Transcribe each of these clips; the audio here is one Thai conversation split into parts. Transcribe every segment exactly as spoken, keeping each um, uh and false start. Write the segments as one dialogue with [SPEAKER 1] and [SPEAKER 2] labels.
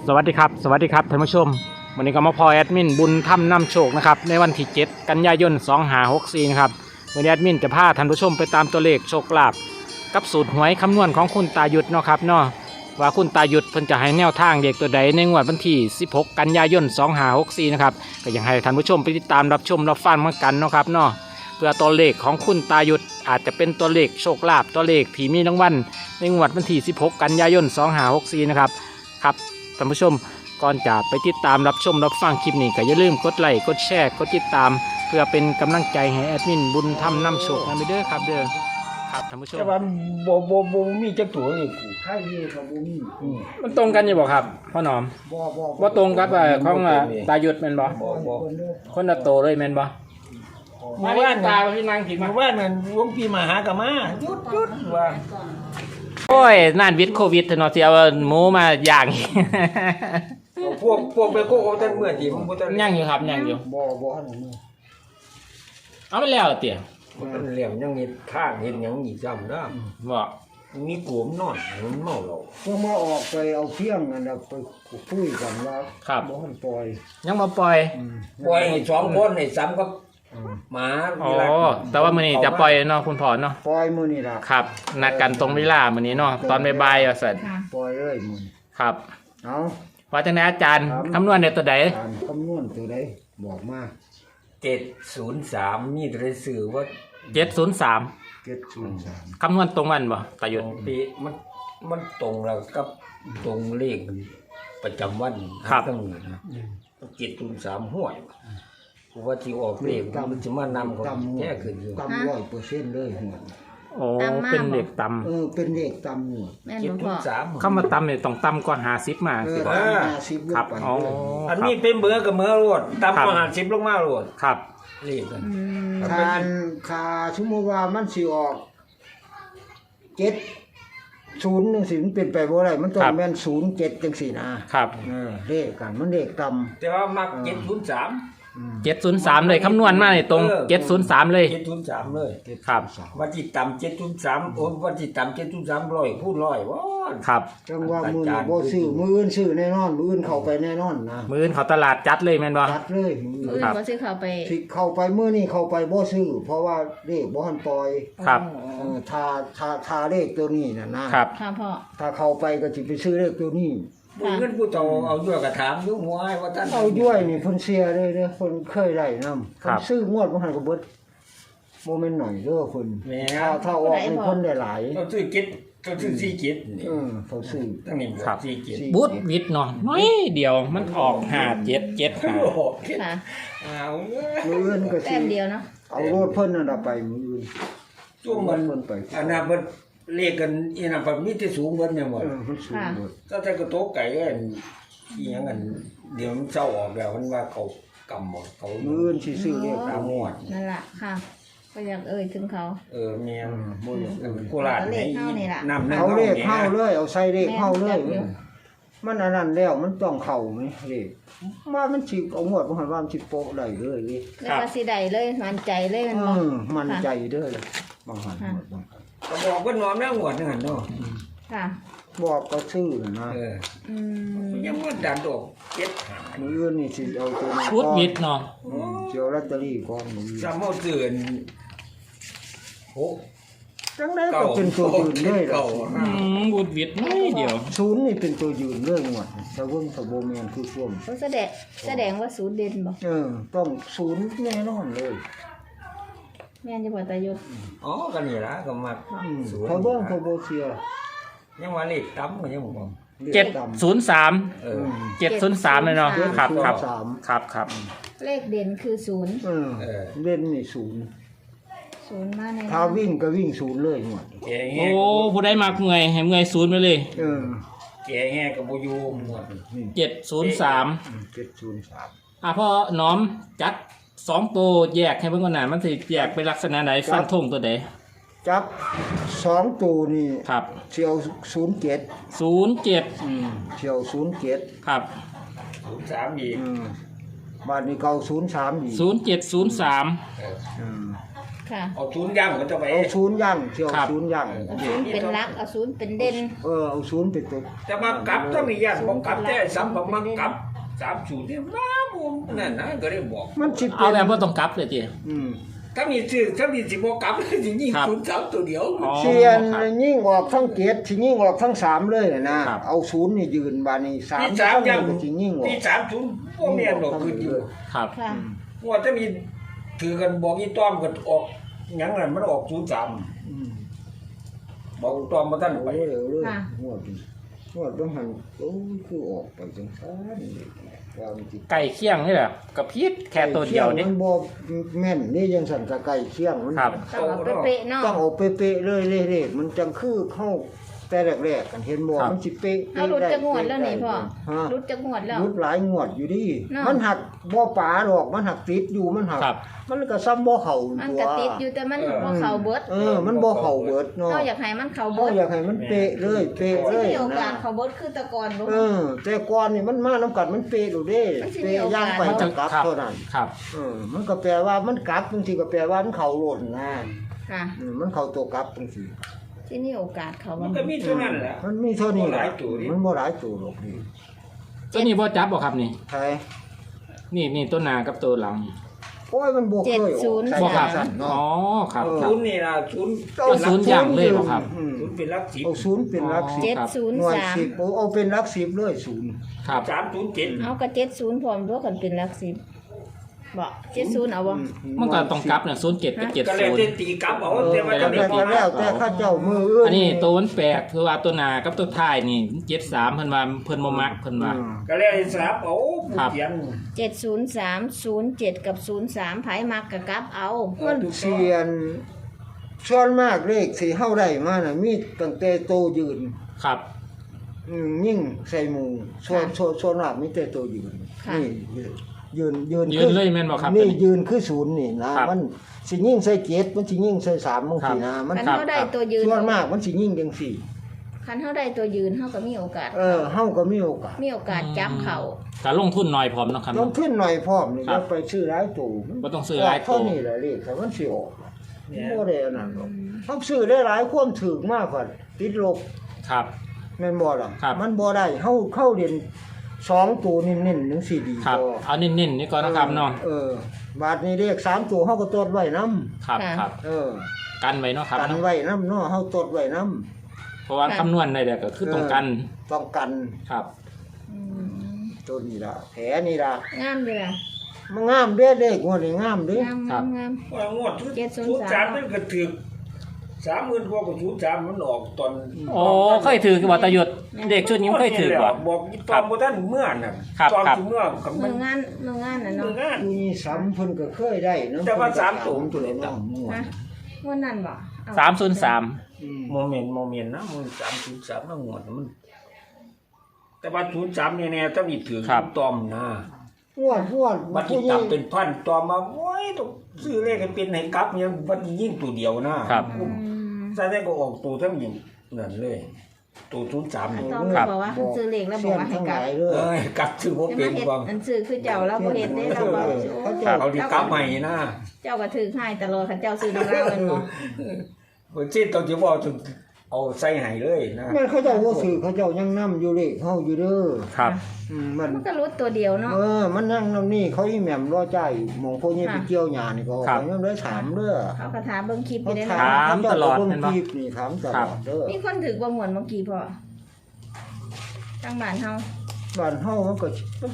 [SPEAKER 1] สวัสดีครับสวัสดีครับท่านผู้ชมวันนี้ก็มาพอแอดมินบุญถ้ำนำโชคนะครับในวันที่เจ็ดกันยายนสองห้าหกสี่นะครับวันนี้แอดมินจะพาท่านผู้ชมไปตามตัวเลขโชคลาภกับสูตรหวยคำนวณของคุณตายุทธเนาะครับเนาะว่าคุณตายุทธเพิ่นจะให้แนวทางเด็กตัวใดในงวดวันที่สิบหกกันยายนสองห้าหกสี่นะครับก็อยากให้ท่านผู้ชมไปติดตามรับชมรับฟังเหมือนกันเนาะครับเนาะเพื่อตัวเลขของคุณตายุทธอาจจะเป็นตัวเลขโชคลาภตัวเลขที่มีรางวัลในงวดวันที่สิบหกกันยายนสองห้าหกสี่นะครับครับท่านผู้ชมก่อนจะไปติดตามรับชมรับฟังคลิปนี้ก็อย่าลืมกดไลค์กดแชร์กดติดตามเพื่อเป็นกำลังใจให้แอดมินบุญทำนำโชคนะเด้อครับเด้อครับท่านผู้ชม
[SPEAKER 2] แต่ว่าบ่บ่บ่มีจักตัวนี่กู
[SPEAKER 3] ใช่นี่ครับบ่มี
[SPEAKER 2] อืม
[SPEAKER 1] มันตรงกันอยู่บ่ครับพ่อหนอม
[SPEAKER 3] บ่บ่
[SPEAKER 1] ว่าตรงกับเอ่อของเอ่อตายุทธแม่นบ่
[SPEAKER 2] บ่บ่
[SPEAKER 3] คนเด้อ
[SPEAKER 1] คนละโตเลยแม่นบ่
[SPEAKER 2] เมื่อวาน
[SPEAKER 1] ตา
[SPEAKER 2] น่ะ
[SPEAKER 1] พี่นางผิดมา
[SPEAKER 2] เมื่อวานนั้นหลวงพี่มาหากะมาหยุดหยุดว่า
[SPEAKER 1] โอ้ยน่านวิทย์โควิดเนาะสิเอาหมูมาย่าง
[SPEAKER 2] เอาพวกพวกไปโกเอาแต่เมื่อที่มันบ่ทัน
[SPEAKER 1] ย่างอยู่ครับย่างอยู่
[SPEAKER 3] บ่บ่หันมือ
[SPEAKER 1] เอาไปแล้วเตี่ย
[SPEAKER 2] บ่ทันเหลี่ยมยังเฮ็ดข้างเฮ็ดหยังอีกซ้ำเด้อ
[SPEAKER 1] บ่
[SPEAKER 2] มีกลุ่มนอนมันเมาเหล้า
[SPEAKER 3] พวกมาออกไปเอาเพียงนั่นน่ะไปคุยกันว่า
[SPEAKER 1] ครับ
[SPEAKER 3] บ่หันปล่อย
[SPEAKER 1] ยังบ่ปล่อย
[SPEAKER 3] อืม
[SPEAKER 2] ปล่อยให้สองคนให้ซ้ำกับหมา
[SPEAKER 1] อ๋อ
[SPEAKER 2] เวลา
[SPEAKER 1] แต่ว่ามื้อนี้จะปล่อยเนาะคุณพ่อเนาะ
[SPEAKER 3] ปล่อยมื้อนี่ล่ะ
[SPEAKER 1] ครับนัดกันตรงเวลามื้อนี้เนาะตอนบ่ายๆว่าซั่น
[SPEAKER 3] ปล่อยเลยมื้อนี้
[SPEAKER 1] ครับ
[SPEAKER 3] เอา
[SPEAKER 1] ว่าจังได๋อาจารย์คำนวณได้ตัวใด
[SPEAKER 3] การคำนวณตัวใดบอกมา
[SPEAKER 2] เจ็ดศูนย์สามมีแต่ได้สื่อว่า
[SPEAKER 1] เจ็ดศูนย์สาม
[SPEAKER 3] เจ็ดศูนย์สาม
[SPEAKER 1] คำนวณตรงวันบ่ตายุทธ
[SPEAKER 2] ปีมันมันตรงแล้วกับตรงเลขประจำวันทั้งนี้นะเจ็ดศูนย์สามห้วยกูว่าที่ออกเลขมันจะมานำเขาแค่ขึ้นอยู่
[SPEAKER 3] ต่ำร้อยเปอร์เซ็นต์เลยหัว
[SPEAKER 1] โอ้เป็นเด็กต่ำ
[SPEAKER 3] เออเป็นเลขต่ำหัว
[SPEAKER 4] แม่น
[SPEAKER 2] เจ็ด
[SPEAKER 4] บ่
[SPEAKER 2] ศู
[SPEAKER 4] พ่อน
[SPEAKER 2] ย์สาม
[SPEAKER 1] คำว่าต่ำเนี่ยต้องต่ำกว่าห้าสิบมา
[SPEAKER 3] เอ
[SPEAKER 1] สิ
[SPEAKER 3] อ
[SPEAKER 1] บ่
[SPEAKER 3] ห้าสิบล
[SPEAKER 1] ครับ
[SPEAKER 3] งไป
[SPEAKER 1] อ๋อ
[SPEAKER 2] อันนี้เป็นเบอร์กับเมื่อรวดตามมาหาสิบลงมาโรด
[SPEAKER 1] ครับ
[SPEAKER 2] เลขกัน
[SPEAKER 4] อืม
[SPEAKER 3] คานคาสมมุติว่ามันสิออกเจ็ดศูนย์จังซี่มันเป็นไปบ่ได้มันต้องแม่นศูนย์เจ็ดจังซี่นะครับ เออเลขกันมันเลขต่ำ
[SPEAKER 2] แต่ว่ามักเจ็ดศูนย์สาม
[SPEAKER 1] เจ็ดศูนย์สามเลยคำนวณมาเนี่ยตรงเจ็ดศูนย์สามเลย
[SPEAKER 2] เจ็ดศูนย์สามเลย
[SPEAKER 1] ครับ
[SPEAKER 2] วันที่ต่ำเจ็ดศูนย์สามโอ้วันที่ต่ำเจ็ดศูนย์สามร้อยพูดร้อยว้า
[SPEAKER 1] ครับ
[SPEAKER 3] จังว่ามือนี่บ่ซื้อมืออื่นซื้อแน่นอนมืออื่นเข้าไปแน่นอนนะ
[SPEAKER 1] มื้ออนเขาตลาดจัดเลยแม่นบ่
[SPEAKER 3] จัดเลยมือ
[SPEAKER 4] อื่
[SPEAKER 3] อื่
[SPEAKER 4] น
[SPEAKER 3] น
[SPEAKER 4] บ่สิเข้าไป
[SPEAKER 3] สิเข้าไปมือนี่เข้าไปบ่ซื้อเพราะว่าเลขบ่ทันปล่อย
[SPEAKER 1] ครับ
[SPEAKER 3] เออถ้าถ้าถ้าเลขตัวนี้น่ะนะครับ
[SPEAKER 4] ค่ะพ่อ
[SPEAKER 3] ถ้าเข้าไปก็สิไปซื้อเลขตัวนี้
[SPEAKER 2] ผู้เงินผู้โตเอาด้วยกระถามยุ่งหัวให้ว่าท่าน
[SPEAKER 3] เอาย้วยนี่เพิ่นเสียเลยเด้อเพิ่นเคยได้นำ
[SPEAKER 1] ครั
[SPEAKER 3] เพิ่
[SPEAKER 1] บ
[SPEAKER 3] นซื้องวดบ่ทันก็เบิดบ่แม่นหน่อยเด้อเพิ่น
[SPEAKER 2] แหม่
[SPEAKER 3] ถ้าถ้าออกนี่เพิ่นได้หลาย
[SPEAKER 2] เราซื้อเก็ตเราซื้อสี่เก็ตนี่
[SPEAKER 3] เออเขาซื้อ
[SPEAKER 2] ตั้งนี่
[SPEAKER 1] ครับ
[SPEAKER 2] สี่เก็ต
[SPEAKER 1] บุตรวิทย์เนาะน้อยเดียวมันออกห้าเจ็ดเจ็ดห้า
[SPEAKER 2] โอ้โหเก็ต
[SPEAKER 4] ค่ะ
[SPEAKER 2] เอา
[SPEAKER 3] มืออื่นก็สิ
[SPEAKER 4] แต้มเดียวเนาะ
[SPEAKER 3] เอารถเพิ่นนั่นน่ะไปมืออื่น
[SPEAKER 2] ช่วงมัน
[SPEAKER 3] เพิ่นไป
[SPEAKER 2] อันนั้นมันเรียกกันอีน่ะแบบนี้ที่สูงเบิ่นเนี่ยหมด
[SPEAKER 3] เออมันสูงหมด
[SPEAKER 2] ก็แต่กระโตกไก่อันอีหยังอันเดี๋ยวมันเศร้าออกแล้วมันว่าเขากำหมดเขา
[SPEAKER 3] มืออื่นสิซื้อเลข
[SPEAKER 2] ตามหมด
[SPEAKER 4] นั่นล่ะค่ะ ก็อยากเอ่ยถึงเขา
[SPEAKER 2] เออแม่น
[SPEAKER 3] บ่อยากเออ
[SPEAKER 2] โคราช
[SPEAKER 4] เอาเลขเข้านี่ล่ะ
[SPEAKER 2] น้ำนั่น
[SPEAKER 3] เอาเลข
[SPEAKER 2] นี่ย
[SPEAKER 3] เข้าเลยเอาใส่เลขเข้าเลย
[SPEAKER 4] แม่นจับอยู่
[SPEAKER 3] มันอันนั้นแล้วมันต้องเข้าไหมเลขว่ามันสิเอาหมดบ่หันว่ามันสิโปะได้เลยเลข
[SPEAKER 4] แล้วก็สิได้เลยมั่นใจเลยแมัน
[SPEAKER 3] เอ
[SPEAKER 4] บ่
[SPEAKER 3] อมันใจเด้อเลยบางหันหมดบางหัน
[SPEAKER 2] ก็บอกว่านอนแล้วหมดนั่นเนาะ
[SPEAKER 4] ค่ะ
[SPEAKER 3] บอกก็ซื้อน่ะนะ
[SPEAKER 2] เออ
[SPEAKER 4] อืม
[SPEAKER 2] ยังว่าดันดอกเก็ตหา
[SPEAKER 3] มืออื่นนี่สิเอาตัวนี้
[SPEAKER 1] บุตรวิทย์เนาะ
[SPEAKER 3] อืมสิเอาลอตเตอรี่ก่อนมืออื่น
[SPEAKER 2] ซ้ำเอาเตือนโอ้
[SPEAKER 3] จังได๋ก็เป็นตัวยืนเลยล่ะ
[SPEAKER 2] เก่า
[SPEAKER 1] อืมบุตรวิทย์น้อยเดียว
[SPEAKER 3] ศูนย์นี่เป็นตัวยืนเลยหมดถ้าเบิ่งถ้าบ่แม่นคือช่วง
[SPEAKER 4] เขาแสดงแสดงว่าศูนย์เด่นบ่
[SPEAKER 3] เออต้องศูนย์แน่นอนเลย
[SPEAKER 4] แม่นจะบ่ตายศ
[SPEAKER 2] อ๋อก็นี่ละก็มา
[SPEAKER 3] อืม
[SPEAKER 2] สวน
[SPEAKER 3] เขาเบิ่งเขาบ่เชื่อ
[SPEAKER 2] ยังว่าเลขต่ำก็ยังบอก
[SPEAKER 1] เจ็ดศูนย์สาม
[SPEAKER 2] เอ
[SPEAKER 3] อื
[SPEAKER 2] อ
[SPEAKER 3] ม
[SPEAKER 1] เจ็ดศูนย์สามเลยเนาะครับครับ
[SPEAKER 3] สาม
[SPEAKER 1] ครับครับ
[SPEAKER 4] เลขเด่นคือศูนย์
[SPEAKER 3] เออ
[SPEAKER 2] เออ
[SPEAKER 3] เล่นนี่ศูนย์
[SPEAKER 4] ศูนย์มาใน
[SPEAKER 3] ถ้าวิ่งก็วิ่งศูนย์เลยหมด
[SPEAKER 2] แกแง่
[SPEAKER 1] โอ้ผู้ได้มากเมื่อยให้เมื่อยศูนย์ไปเลย
[SPEAKER 3] เออ
[SPEAKER 2] แกแง่กับบ่อยู่หมด
[SPEAKER 3] นี่
[SPEAKER 1] เจ็ดศูนย์สาม
[SPEAKER 3] เจ็ดศูนย์สาม
[SPEAKER 1] อ่ะพ่อน้อมจัดสองตัวแยกให้เบิ่งก่อนนะมันสิแยกเป็นลักษณะไหนฟันธงตัวใด
[SPEAKER 3] จับสองตัวนี่
[SPEAKER 1] ครับ
[SPEAKER 3] เที่ยวศูนย์เจ็ด
[SPEAKER 1] ศูนย์เจ็ด
[SPEAKER 3] อืมเที่ยวศูนย์เจ็ด
[SPEAKER 1] ครับ
[SPEAKER 2] ศูนย์สามอีก
[SPEAKER 3] อืมบ้านนี้เก่าศูนย์สามอีก
[SPEAKER 1] ศูนย์เจ็ดศูนย์สาม
[SPEAKER 2] เออ
[SPEAKER 3] อืม
[SPEAKER 4] ค่ะ
[SPEAKER 2] เอาศูนย์ย่างมันจะไป
[SPEAKER 3] เอาศูนย์ย่างเที่ยว
[SPEAKER 1] ครับ
[SPEAKER 3] ศูนย์ย่าง
[SPEAKER 4] เอาศูนย์เป็นหลักเอาศูนย์เป็นเด่น
[SPEAKER 3] เออเอาศูนย์เป็นตัว
[SPEAKER 2] แต่มากลับถ้ามีย่างบอกกลับแต่ซ้ำบอกมากลับสามศูนย์เนี่ยมาบุมนั่นนะก็ได้บอก
[SPEAKER 3] มันสิ
[SPEAKER 1] เอา
[SPEAKER 3] เป็น
[SPEAKER 1] แบบว่าต้องกลับเลยจี
[SPEAKER 3] อืม
[SPEAKER 2] ถ้ามีชื่อถ้ามีสิบอกกลับจริงยิ่ง
[SPEAKER 1] ครับ
[SPEAKER 2] ศูนย์สามตัวเดียว
[SPEAKER 1] อ๋อ
[SPEAKER 3] เชียนยิ่งออกทั้งเจ็ดสิยิ่งออกทั้งสามเลยน่ะนะครับ เอาศูนย์นี่ยืนบาดนี้สาม
[SPEAKER 2] ที่สามย่าง
[SPEAKER 3] ก็สิยิ่งออก
[SPEAKER 2] ที่สามศูนย์พวกเมียนหรอกคืออยู่
[SPEAKER 1] ครับ
[SPEAKER 4] ค่ะ
[SPEAKER 2] ว่าถ้ามีถือกันบอกอีต้อมก็ออกหยังนั่นมันออกศูนย์สาม
[SPEAKER 3] อืม
[SPEAKER 2] บอกต้อมมาท่านไป
[SPEAKER 3] ไปเร็วเลย
[SPEAKER 4] ค่ะ
[SPEAKER 3] งวดนี้งวดต้องหันโอ้ยคือออกไปจังซั่นความจริง
[SPEAKER 1] ไก่เคี่ยงนี่แหละกับพีษแค่ตัวเดียวนี่
[SPEAKER 3] มันบ่แม่นนี่ยังสั่นกะไก่เคียงมัน
[SPEAKER 1] ครับ
[SPEAKER 4] ต้องเอาเป๊ะๆเนาะ
[SPEAKER 3] ต้องเอาเป๊ะๆเลยเลขๆมันจังคือเข้าแต่แรกๆกันเห็นบ่
[SPEAKER 1] ครับ
[SPEAKER 3] มันสิเป๊ะ
[SPEAKER 4] เอาหลุดจะงวดแล้วนี่พ่อ
[SPEAKER 3] ฮะ
[SPEAKER 4] หลุดจะงวดแล้ว
[SPEAKER 3] รุดหลายงวดอยู่ดิ
[SPEAKER 4] เนาะ
[SPEAKER 3] มันหักบ่ป๋าดอกมันหักติดอยู่มันหัก
[SPEAKER 1] ครับ
[SPEAKER 3] มันก็ซ้ำบ่เข้า
[SPEAKER 4] มัน
[SPEAKER 3] ตัว
[SPEAKER 4] กระติดอยู่แต่มันบ่เข้าเบิด
[SPEAKER 3] เออมันบ่เข้าเบิดเนาะ
[SPEAKER 4] เราอยากให้มันเข้า
[SPEAKER 3] บ่
[SPEAKER 4] เบิด
[SPEAKER 3] อยากให้มันเป๊ะเลยเป๊ะเล
[SPEAKER 4] ที่
[SPEAKER 3] ย
[SPEAKER 4] มีโอกา
[SPEAKER 3] นะ
[SPEAKER 4] สเข้าเบิดคือแตะกอนบ่
[SPEAKER 3] เออ แต่ก่อนนี่มันมานํกันมันเป๊ะอยู่เด้
[SPEAKER 4] มันสิมี
[SPEAKER 3] เป๊ะ
[SPEAKER 4] โอกาส
[SPEAKER 3] ย่างไปจังกลับ
[SPEAKER 1] ครับ
[SPEAKER 3] เท่านั้น
[SPEAKER 1] ครับ
[SPEAKER 3] เออมันก็แปลว่ามันกลับบางทีก็แปลว่ามันเข้าโลดนะ
[SPEAKER 4] ค่ะ
[SPEAKER 3] เออมันเข้าตัวกลับจังซี่
[SPEAKER 4] ที่มีโอกาสเข้า
[SPEAKER 2] มั
[SPEAKER 4] บ่
[SPEAKER 2] นก็มีเท่านั้นแหละ
[SPEAKER 3] มันมีเท่านี้
[SPEAKER 2] บ่หลายตัวดิ
[SPEAKER 3] มันบ่หลายตัวหรอกนี่
[SPEAKER 1] ตัวนี้บ่จับบ่ครับนี่
[SPEAKER 3] ใช่
[SPEAKER 1] นี่นี่ตัวหน้ากับตัวหลัง
[SPEAKER 3] โอ้ยมันบ่เคยออกใส่
[SPEAKER 1] บ่ครับ
[SPEAKER 3] สั้น
[SPEAKER 1] อ๋อ
[SPEAKER 3] เนาะ
[SPEAKER 1] ครับ
[SPEAKER 3] เออ
[SPEAKER 1] ครั
[SPEAKER 2] ศู
[SPEAKER 1] บ
[SPEAKER 2] นย์นี่นะศูนย์
[SPEAKER 1] เอาศูนย์อย่างเลยเหรอครับ
[SPEAKER 3] อืม
[SPEAKER 2] ศูนย์เป็นหลักสิบ
[SPEAKER 3] เอาศูนย์เป็นหลักสิบ
[SPEAKER 4] เจ็ดศูนย์
[SPEAKER 3] หน่วย
[SPEAKER 4] สาม
[SPEAKER 3] สิบโอ้เอาเป็นหลักสิบเลยศูนย์
[SPEAKER 1] ครับ
[SPEAKER 2] สามศูนย์เจ็ด
[SPEAKER 4] เอากระเจ็ดศูนย์พร้อมด้วยกันเป็นหลักสิบบ่เจ็ดศูนย์เอาบ่
[SPEAKER 1] มันก็ต้องกลับเนี่ยศูนย์เจ็ดกับเจ็ด
[SPEAKER 2] ก็เลย
[SPEAKER 1] ศูน
[SPEAKER 2] ได้
[SPEAKER 1] ย์
[SPEAKER 2] ตีกลับเอา
[SPEAKER 3] เออ
[SPEAKER 2] แต่ว่า
[SPEAKER 3] แต่
[SPEAKER 2] จะ
[SPEAKER 3] ก็
[SPEAKER 2] ไม่
[SPEAKER 3] แล้ว
[SPEAKER 2] ตี
[SPEAKER 3] แต่ข้าเจ้ามืออื่น
[SPEAKER 1] อันนี้ตัวมันแปลกคือว่าตัวหน้ากับตัวท้ายนี่เจ็ดสามเพิ่นว่าเพิ่นบ่มักเพิ่นว่า
[SPEAKER 3] อืม
[SPEAKER 2] ก็เลยสลับเอาผู้
[SPEAKER 1] ครับ
[SPEAKER 2] เขียน
[SPEAKER 4] เจ็ดศูนย์สามศูนย์เจ็ดกับศูนย์สามไผมักกะกลับเอา
[SPEAKER 3] มันเสียนส่วนมากเลขที่เฮาได้มาน่ะมีตั้งแต่โตยืน
[SPEAKER 1] ครับ
[SPEAKER 3] อืมยิ่งใส่หมู่ส่วนส่วนส่วนมากมีแต่โตยืน
[SPEAKER 4] ค่ะ
[SPEAKER 3] นี่ยืนยืน
[SPEAKER 1] ยืนเลยแม่นบ่ครับ
[SPEAKER 3] นี่
[SPEAKER 1] ตัวนี้
[SPEAKER 3] ยืนคือศูนย์นี่นะครับ มันสิยิ่งใส่เจ็ดมันสิยิ่งใส่สามบางทีนะมัน
[SPEAKER 4] คัน
[SPEAKER 1] ครับ
[SPEAKER 4] เฮาได้ตัวยืน
[SPEAKER 3] ส่วนมากมันสิยิ่งจังสี่
[SPEAKER 4] คันเฮาได้ตัวยืนเฮาก็มีโอกาส
[SPEAKER 3] เออเฮาก็มีโอกาส
[SPEAKER 4] มีโอกาสจับเขา
[SPEAKER 1] การลงทุนน้อยพร้อมเนาะครับ
[SPEAKER 3] ลงทุนหน่อยพร้อมนี่
[SPEAKER 1] ครั
[SPEAKER 3] แล้
[SPEAKER 1] บ
[SPEAKER 3] วไปซื้อหลายตู้
[SPEAKER 1] บ่ต้องซื้อหลายตู้
[SPEAKER 3] เท่านี้แหละเลขถ้ามันสิออกบ่ได้อันนั้นหรอกเฮาซื้อได้หลายความถึกมากกว่าติดลบ
[SPEAKER 1] ครับ
[SPEAKER 3] แม่นบ่ล่ะ
[SPEAKER 1] ครับ
[SPEAKER 3] มันบ่ได้เฮาเข้าเรียนสองตัวเน้นๆจังซี่ดี
[SPEAKER 1] ครับ
[SPEAKER 3] พอ
[SPEAKER 1] เอาเน้นๆนี่ก่อนนะครับเนาะ
[SPEAKER 3] เออบาทนี้เลขสามตัวเฮาก็ตดไว้นํ
[SPEAKER 1] ครับครับ
[SPEAKER 3] เออ
[SPEAKER 1] กันไว้เนาะครับ
[SPEAKER 3] กัน
[SPEAKER 1] เนาะ
[SPEAKER 3] ไว้นํเนาะเฮาตดไว้นํ
[SPEAKER 1] เพราะว่าคำนวณได้แล้วก็คือต้องกัน
[SPEAKER 3] ต้องกัน
[SPEAKER 1] ครับ
[SPEAKER 4] อืม
[SPEAKER 3] ตัวนี้ล่ะแผลนี่ล่ะ
[SPEAKER 4] งามอยู่ล่ะ
[SPEAKER 3] มันงามเด้เลขงวดนี้งามเด้
[SPEAKER 4] งาม
[SPEAKER 1] ครั
[SPEAKER 4] งา
[SPEAKER 1] บ
[SPEAKER 4] มงาม
[SPEAKER 2] ว่างวด
[SPEAKER 4] เจ็ดศูนย์
[SPEAKER 2] ศูนย์
[SPEAKER 4] สา
[SPEAKER 2] สาม มมันก็ถึกสามหมื่นกว่ากับศูนย์สามมันออกตอน
[SPEAKER 1] โอ้เคยถือว่าตะหยุดเด็กชุดนี้เคยถือบ่
[SPEAKER 2] บอกอีตอมบ่ท่านเมื่อน่ะ
[SPEAKER 1] ครับ
[SPEAKER 2] ตอน
[SPEAKER 1] ครับ
[SPEAKER 2] ที่เมื่อกับ
[SPEAKER 4] มื
[SPEAKER 2] มัน
[SPEAKER 4] องานมืองานน่ะ
[SPEAKER 2] เมื่
[SPEAKER 4] เนาะ
[SPEAKER 2] องาน
[SPEAKER 3] มีซ้ำเพิ่นก็เคยได้เนาะ
[SPEAKER 2] แต่ว่าสามตัว
[SPEAKER 3] ตัวเลยเนาะ
[SPEAKER 4] ฮะวันนั้นบ่เอ
[SPEAKER 1] สามศูนย์สาม
[SPEAKER 3] อืม
[SPEAKER 2] โมเมนต์โมเมนต์นะมันสามศูนย์สามทั้งหมดมัน แต่ว่าศูนย์สามเนี่ยๆถ้ามีถือตอมนะ
[SPEAKER 3] งวดงวด
[SPEAKER 2] บัตรที่ตับเป็นพันตอมมาโอ้ยต้องซื้อเลขให้เป็นให้กลับเนี่ยบัตรยิ่งตัวเดียวนะครับ
[SPEAKER 4] อืม
[SPEAKER 2] ใส่ได้ก็ออกตัวทั้งยิ่งนั่นเลยตัวศูนย์สามนี่
[SPEAKER 4] ต้องบอกว่าซื้อเลขแล้วบอกว่าให้
[SPEAKER 3] ทั้ง
[SPEAKER 4] ก
[SPEAKER 3] ห
[SPEAKER 4] ลับ
[SPEAKER 3] ลายเด้อ
[SPEAKER 2] เอ้ยกลับซื้อบ่
[SPEAKER 4] จะ
[SPEAKER 2] เป็
[SPEAKER 4] มาน เฮ็ด
[SPEAKER 2] บ้าง
[SPEAKER 4] อันซื้อคือเจ้าเราบ่เฮ็ดเด้เราบ่
[SPEAKER 2] เอาดีกลับใหม่นะ
[SPEAKER 4] เจ้าก็ถือให้ตลอดคันเจ้าซื้อน้ำเราแม่นบ่
[SPEAKER 2] เพิ่นสิต้องสิบอกถึงเอาใส่ให้เลยนะ
[SPEAKER 3] แม่นเขาเจ้าบ่ซื้อเขาเจ้ายังนำอยู่เลขเฮาอยู่เด้อ
[SPEAKER 1] ครับ
[SPEAKER 3] อืมมัน
[SPEAKER 4] มันก็รู้ตัวเดียวเนาะ
[SPEAKER 3] เออ มันนั่งนำนี่เขาอีแหม่มรอใจายหมองพวกนี้ไปเกี่ยวหญ้านี่ก็
[SPEAKER 1] ครับ
[SPEAKER 3] ยังได้ถามเด้อ
[SPEAKER 4] เขาก็ถามเบิ่งคลิปอ
[SPEAKER 3] เขา
[SPEAKER 4] ยู่ได้
[SPEAKER 3] ถา
[SPEAKER 4] เนาะ
[SPEAKER 1] ถามตลอด
[SPEAKER 3] เจ้า
[SPEAKER 1] เห็น
[SPEAKER 3] ก็
[SPEAKER 1] ปะ
[SPEAKER 3] เบิ่งคลิปนี่ถามตลอดเด้อ
[SPEAKER 4] มีคนถือบ่ม่วนเมื่อกี้พ่อทางบ้านเฮา
[SPEAKER 3] บ้านเฮามันก็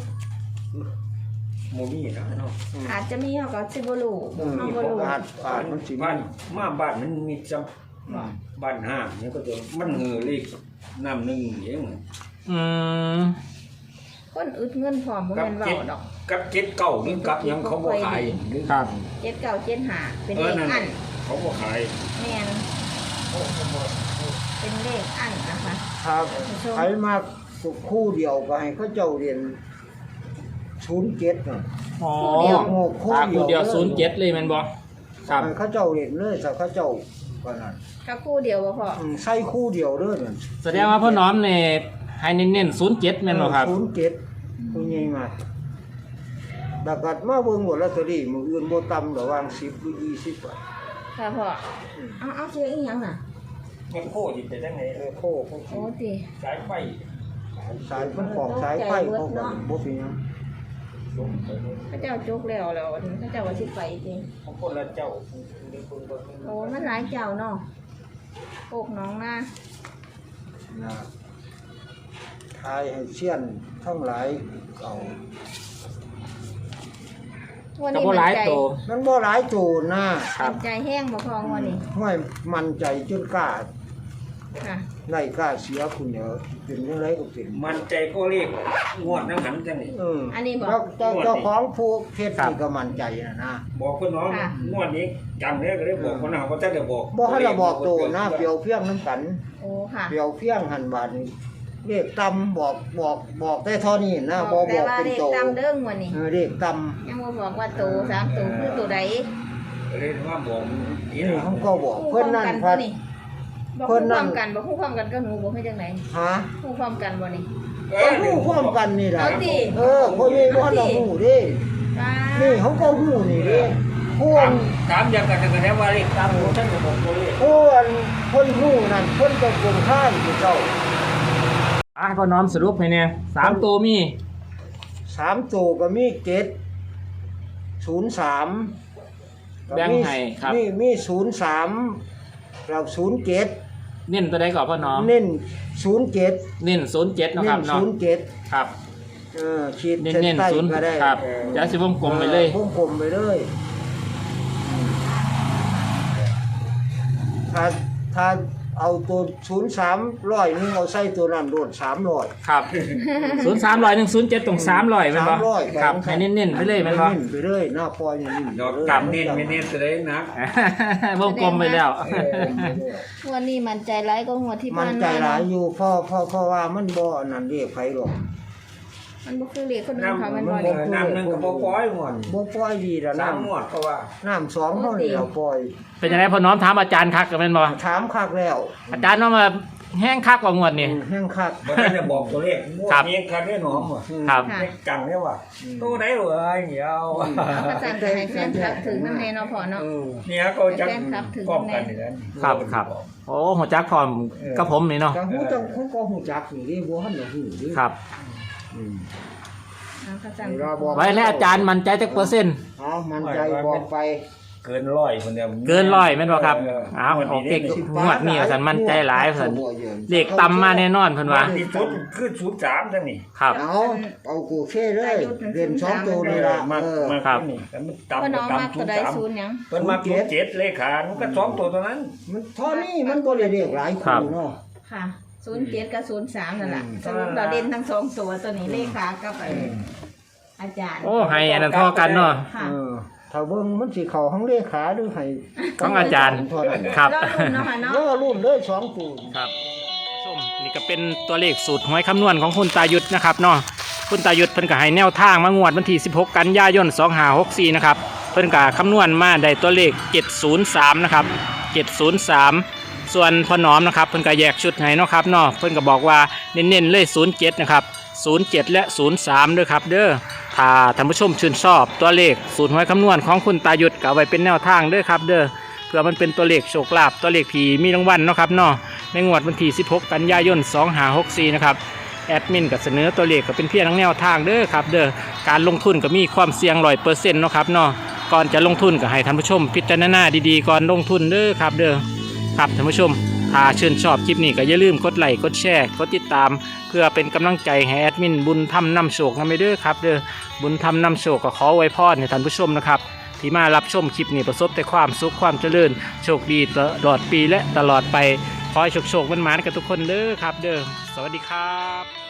[SPEAKER 2] โมมีนะเนาะ
[SPEAKER 4] อาจจะมีเฮาก็สิบ่รู้
[SPEAKER 3] เออ
[SPEAKER 4] เฮาบ่รู้
[SPEAKER 3] อาจอาจมันสิ
[SPEAKER 2] บ้านมาบ้านมันมีจังบ้านห้างเนี่ยก็จะมันเงือเลขน้ำหนึ่งเอง
[SPEAKER 1] อืม
[SPEAKER 4] คนอึดเงินพร้อมบ่แม่นเว้าดอก
[SPEAKER 2] กับเจ็ดเก้านี่กับยังเขาบ่ขาย
[SPEAKER 1] ครับ
[SPEAKER 4] เจ็ดเก้าเจ็ดห้าเป็น
[SPEAKER 2] เอ
[SPEAKER 4] เล
[SPEAKER 2] อ
[SPEAKER 4] ข
[SPEAKER 2] นั่น
[SPEAKER 4] อัน
[SPEAKER 2] เขาบ่ขาย
[SPEAKER 4] แม่นเป็นเลขอันนะคะ
[SPEAKER 3] ครับใครมาคู่เดียวก็ให้เขาเจ้าเรียนศูนย์เจ็ดน่ะ
[SPEAKER 1] อ๋อ
[SPEAKER 3] โง่คู่
[SPEAKER 1] ตา
[SPEAKER 3] เดี
[SPEAKER 1] คู
[SPEAKER 3] ยว
[SPEAKER 1] เดียวศูนย์เจ็ดเลยแมันบ่ครับ
[SPEAKER 3] ให้เขาเจ้าเรียนเลยถ้าเขาเจ้าก็นั่น
[SPEAKER 4] ก็คู่เดียวบ่พอ
[SPEAKER 3] อืมใส่คู่เดียวเด้อนั่น
[SPEAKER 1] แสดงว่าพ่อน้อมเนี่ยให้เน้นๆศูนย์เจ็ดแม่นบ่ครับ
[SPEAKER 3] ศูนย์เจ็ดผู้ใหญ่มากดักกัดมาเบิ่งว่าลอตเตอรี่มื้ออื่นบ่ต่ำระหว่างสิบหรือยี่สิบบาท
[SPEAKER 4] ค่ะพ่อเอาเอาเชือกอีหยังน่ะ
[SPEAKER 2] มันโคตรไปจังไหน
[SPEAKER 3] เออโคก
[SPEAKER 4] โอ้ติ
[SPEAKER 2] สายไฟ
[SPEAKER 3] สายมันของสายไฟเขาก็บ่เป็นหยัง
[SPEAKER 4] พระเจ้าจุกแล้วแล้วพระเจ้าว่าสิไปจริง
[SPEAKER 2] ของคนละเจ้า
[SPEAKER 4] โอ้มันหลายเจ้าเนาะโคกน้องนา
[SPEAKER 3] นะทายให้เชี่ยนทั้งหลายเอา
[SPEAKER 4] วัน
[SPEAKER 1] ก็
[SPEAKER 4] นี้
[SPEAKER 1] บ่หลาย
[SPEAKER 4] ใจ
[SPEAKER 1] โต
[SPEAKER 3] มันบ่หลายโจรนะ
[SPEAKER 1] ครับ
[SPEAKER 4] ใจแห้งบ่พองวันนี้
[SPEAKER 3] ห้วยมันใจจนกล้า
[SPEAKER 4] ค่ะ
[SPEAKER 3] ไล่กล้าเสียคุณเดี๋ยวเป็นจังไดก็เป็น
[SPEAKER 2] มันใจก็เรียกงวดนังหันจังนี่
[SPEAKER 3] เออ
[SPEAKER 4] อันนี้บอก
[SPEAKER 3] แล้วเจ้าเจ้าของผู้เพชรนี่ก็มั่นใจนะนะ
[SPEAKER 2] บอกคนน้อง
[SPEAKER 4] ค่ะ
[SPEAKER 2] งวดนี้จังเลยก็เลยบอกคนน้องว่าจะได้บอก
[SPEAKER 3] บ่ให้เราบอกโตนะเปรียวเพียงน้ำกัน
[SPEAKER 4] โอ้ค่ะ
[SPEAKER 3] เปรียวเพียงหันบาดนี่เลขตำบอกบอกบอกได้เท่านี้นะบ่
[SPEAKER 4] แต่
[SPEAKER 3] บอก
[SPEAKER 4] ว่า
[SPEAKER 3] เป็น
[SPEAKER 4] เลข
[SPEAKER 3] โต
[SPEAKER 4] ตามเด้งวันนี้
[SPEAKER 3] เออเลขต
[SPEAKER 4] ยังบ่บอกว่าโตสามโตคือตัวใด
[SPEAKER 2] เลยว่าบอก
[SPEAKER 3] ำ
[SPEAKER 2] นี่
[SPEAKER 3] นี่
[SPEAKER 2] นะ
[SPEAKER 3] เขาก็บอก
[SPEAKER 4] คู่
[SPEAKER 3] เพิ่น
[SPEAKER 4] พร้อม
[SPEAKER 3] นั่น
[SPEAKER 4] กัน
[SPEAKER 3] พั
[SPEAKER 4] ตัว
[SPEAKER 3] ด
[SPEAKER 4] นี้บอก
[SPEAKER 3] เพิ่
[SPEAKER 4] คู่
[SPEAKER 3] น
[SPEAKER 4] พ
[SPEAKER 3] นั่
[SPEAKER 4] ร้อน มกันบอกคู่พร้อมกันก็หนูบอกให้จังไหน
[SPEAKER 3] ฮะ
[SPEAKER 4] คู่พร้อมกันบ่นี่
[SPEAKER 3] ก็ฮู้พร้อมกันนี่ล่ะ
[SPEAKER 4] เอาติ
[SPEAKER 3] เออพ่อแม่บ่ทันได้ฮู้เด้
[SPEAKER 4] ป้า
[SPEAKER 3] นี่เขาก็ฮู้นี่เด้พว
[SPEAKER 2] ถาก มถามอย่างกันกันแล้วว่าเลขตามของท่านก็บอกตัวเลข
[SPEAKER 3] พวกคนฮู้นั่นเพิ่นก็กลมข้างอยู่เจ้า
[SPEAKER 1] อ่ะพ่อน้อมสรุปให้เนี่ยสามตัวมี
[SPEAKER 3] สามตัวก็มีเจ็ดศูนย์สาม
[SPEAKER 1] แบ่งให้ครับ
[SPEAKER 3] มีมีศูนย์สามเราศูนย์เจ็ด
[SPEAKER 1] เน้นตัวใดก่อนพ่อน้อม
[SPEAKER 3] เน้นศูนย์เจ็ด
[SPEAKER 1] เน้นศูนย์เจ็ดนาะ
[SPEAKER 3] เน้
[SPEAKER 1] ครับ
[SPEAKER 3] น
[SPEAKER 1] เนาะ
[SPEAKER 3] ศูนย์เจ็ด
[SPEAKER 1] ครับ
[SPEAKER 3] เออขีด
[SPEAKER 1] เน้น
[SPEAKER 3] เส้น
[SPEAKER 1] เน้น
[SPEAKER 3] ใต้
[SPEAKER 1] ศูนย์
[SPEAKER 3] ก็ได้
[SPEAKER 1] ครับ
[SPEAKER 3] เออ
[SPEAKER 1] เดี๋ยวสิวงกลมไปเลย
[SPEAKER 3] วงกลมไปเลยถ้าถ้าเอาตัวศูนย์สามร้อยนึงเอาใส่ตัวนั้นโดดสามร้อย
[SPEAKER 1] ครับศูนย์สามร้อยหนึ่งศูนย์เจ็ดตรงสามร้อยแมันบ่
[SPEAKER 3] สามร้อย
[SPEAKER 1] ครับให้เน้นๆไปเลยแมันบ่
[SPEAKER 3] เน้นไปเลยหน้าปล่อยอย่างนี้
[SPEAKER 2] ดอก
[SPEAKER 3] ไปเลย
[SPEAKER 2] กลับเน้นไม่เน้นจะได้นัก
[SPEAKER 1] วงกลมไปแล้ว
[SPEAKER 3] เออ
[SPEAKER 4] งวันนี้มันใจร้ายก็งวดที่
[SPEAKER 3] มั
[SPEAKER 4] ผ่าน น
[SPEAKER 3] ใจ
[SPEAKER 4] มา
[SPEAKER 3] หลาย
[SPEAKER 4] เนาะ
[SPEAKER 3] อยู่เพราะเพราะเพราะว่ามันบ่อันนั้นเรียกไผหรอก
[SPEAKER 4] มันบ่คือเลขคนอื่น
[SPEAKER 2] น้ำ
[SPEAKER 4] เขามัน
[SPEAKER 2] มั
[SPEAKER 4] บ่
[SPEAKER 2] น
[SPEAKER 4] ได้
[SPEAKER 2] น้ำนึงก็บ่ปล่อยหมด
[SPEAKER 3] บ่ปล่อยดีแล้ว
[SPEAKER 2] สาม
[SPEAKER 3] น้ำ
[SPEAKER 2] หมดก็ว่า
[SPEAKER 3] น้ำสองเท่านี้เราปล่อย
[SPEAKER 1] เป็นยังไงพ่อน้อมถามอาจารย์คักกันแม่นบ่
[SPEAKER 3] ถามคักแล้ว
[SPEAKER 1] อาจารย์ว่ามาแห้งคักกว่างวดนี่
[SPEAKER 3] แห้งคัก
[SPEAKER 2] บ่ทันได้บอกตัวเลขงวด
[SPEAKER 1] ครับ
[SPEAKER 2] นี้คันได้หนอมว่ะ
[SPEAKER 1] ครับ
[SPEAKER 4] ค่ะ
[SPEAKER 2] เลขจังเนี่ยว่ะตัวไหนเหรอไอ้เหี่ยว
[SPEAKER 4] เอาประจันให้แฟนคลับถึงน้ำแน่เนาะพ่อเนาะ
[SPEAKER 3] เออ
[SPEAKER 2] เนี่ยก็จะ
[SPEAKER 4] แฟนคลับถึง
[SPEAKER 2] ป้องกันอยู่แล้ว
[SPEAKER 1] ครับครับโอ้หัวจักพร้อมกับผมนี่เนาะ
[SPEAKER 3] ก็ฮู้จังเขาก็ฮู้จักอยู่ดิบ่ทันได้ฮู้ดิ
[SPEAKER 1] ครับ
[SPEAKER 3] อืม
[SPEAKER 4] เอาประจัน
[SPEAKER 3] เราบอก
[SPEAKER 1] ไว้แล้วอาจารย์มั่นใจจักเปอร์เซ็นต์
[SPEAKER 3] เอามันใจบอกไป
[SPEAKER 2] เกินร้อยคนเดียว
[SPEAKER 1] เกินร้อยแม่นบ่ครับ
[SPEAKER 2] เออ
[SPEAKER 1] อ้าวโอเค
[SPEAKER 2] งวดนี้
[SPEAKER 1] งวดนี้ว่าซั่นมั่นใจหลายว่าซั่น
[SPEAKER 3] เขาบ่ยืน
[SPEAKER 1] เลขต่ำมาแน่นอนเพิ่นว่า
[SPEAKER 2] ที่สุดคือศูนย์สามจังนี่
[SPEAKER 1] ครับ
[SPEAKER 3] เอาเอากูเช่เลยเรียนสองตัวนี่ล่ะ
[SPEAKER 2] มา
[SPEAKER 3] เออ
[SPEAKER 2] มา
[SPEAKER 1] ครับ
[SPEAKER 2] นี่แต่มัน
[SPEAKER 4] พ่อ
[SPEAKER 2] ต่ำ
[SPEAKER 4] น้อง
[SPEAKER 2] ต่ำ
[SPEAKER 4] มัก
[SPEAKER 2] ศู
[SPEAKER 4] ตัวน ใด
[SPEAKER 2] ย์สาม
[SPEAKER 4] ศูนย์หยัง
[SPEAKER 2] เพิ่นมาศูนย์เจ็ดเลขามันก็สองตัวเท่านั้น
[SPEAKER 3] มันเท่านี้มันบ่ได้เรียกหลาย
[SPEAKER 1] ครั
[SPEAKER 3] คู่
[SPEAKER 1] บ
[SPEAKER 3] เนาะ
[SPEAKER 4] ค่ะศูนย์เจ็ดกับศูนย์สามนั่นแหละ
[SPEAKER 2] อืม
[SPEAKER 4] สรุปเราเด่นทั้งสองตัวตัวนี้เลขากับไอ้อาจารย์
[SPEAKER 1] โอ้ให้อันนั้นเท่ากันเนาะ
[SPEAKER 4] ค่ะ
[SPEAKER 3] เออถ้าเบิ่งมันสิเข้าห้องเลขาหรือให้
[SPEAKER 1] ของอาจารย์
[SPEAKER 3] เท่านั้น
[SPEAKER 1] ครับ
[SPEAKER 4] รอรุ่นเนาะค่ะเนาะ
[SPEAKER 3] แล้วรุ่นเลยสองตัว
[SPEAKER 1] ครับชมนี่ก็เป็นตัวเลขสูตรหวยคำนวณของคุณตายุทธนะครับเนาะคุณตายุทธเพิ่นก็ให้แนวทางมางวดวันที่สิบหกกันยายนสองห้าหกสี่นะครับเพิ่นก็คำนวณมาได้ตัวเลขเจ็ดศูนย์สามนะครับเจ็ดศูนย์สามส่วนพ่อหนอมนะครับเพิ่นก็แยกชุดให้เนาะครับเนาะเพิ่นก็บอกว่าเน้นๆเลยศูนย์เจ็ดนะครับศูนย์เจ็ดและศูนย์สามด้วยครับเด้อถ้าท่านผู้ชมชื่นชอบตัวเลขสูตรหวยคำนวณของคุณตายุทธก็เอาไว้เป็นแนวทางเด้อครับเด้อเพื่อมันเป็นตัวเลขโชคลาภตัวเลขผีมีรางวัลเนาะครับเนาะในงวดวันที่สิบหกกันยายนสองห้าหกสี่นะครับแอดมินก็เสนอตัวเลขก็เป็นเพียงแนวทางเด้อครับเด้อการลงทุนก็มีความเสี่ยงร้อยเปอร์เซ็นต์เนาะครับเนาะก่อนจะลงทุนก็ให้ท่านผู้ชมพิจารณาดีๆก่อนลงทุนเด้อครับเด้อครับท่านผู้ชมถ้าชื่นชอบคลิปนี้ก็อย่าลืมกดไลค์กดแชร์กดติดตาม เพื่อเป็นกำลังใจให้แอดมินบุญธรรมนำโชคนำไปเด้อครับเด้อบุญธรรมนำโชคก็ขอไว้พรให้ท่านผู้ชมนะครับที่มารับชมคลิปนี้ประสบแต่ความสุขความเจริญโชคดีตลอดปีและตลอดไปขอให้โชคโชคมันหมานๆกับทุกคนเด้อครับเด้อสวัสดีครับ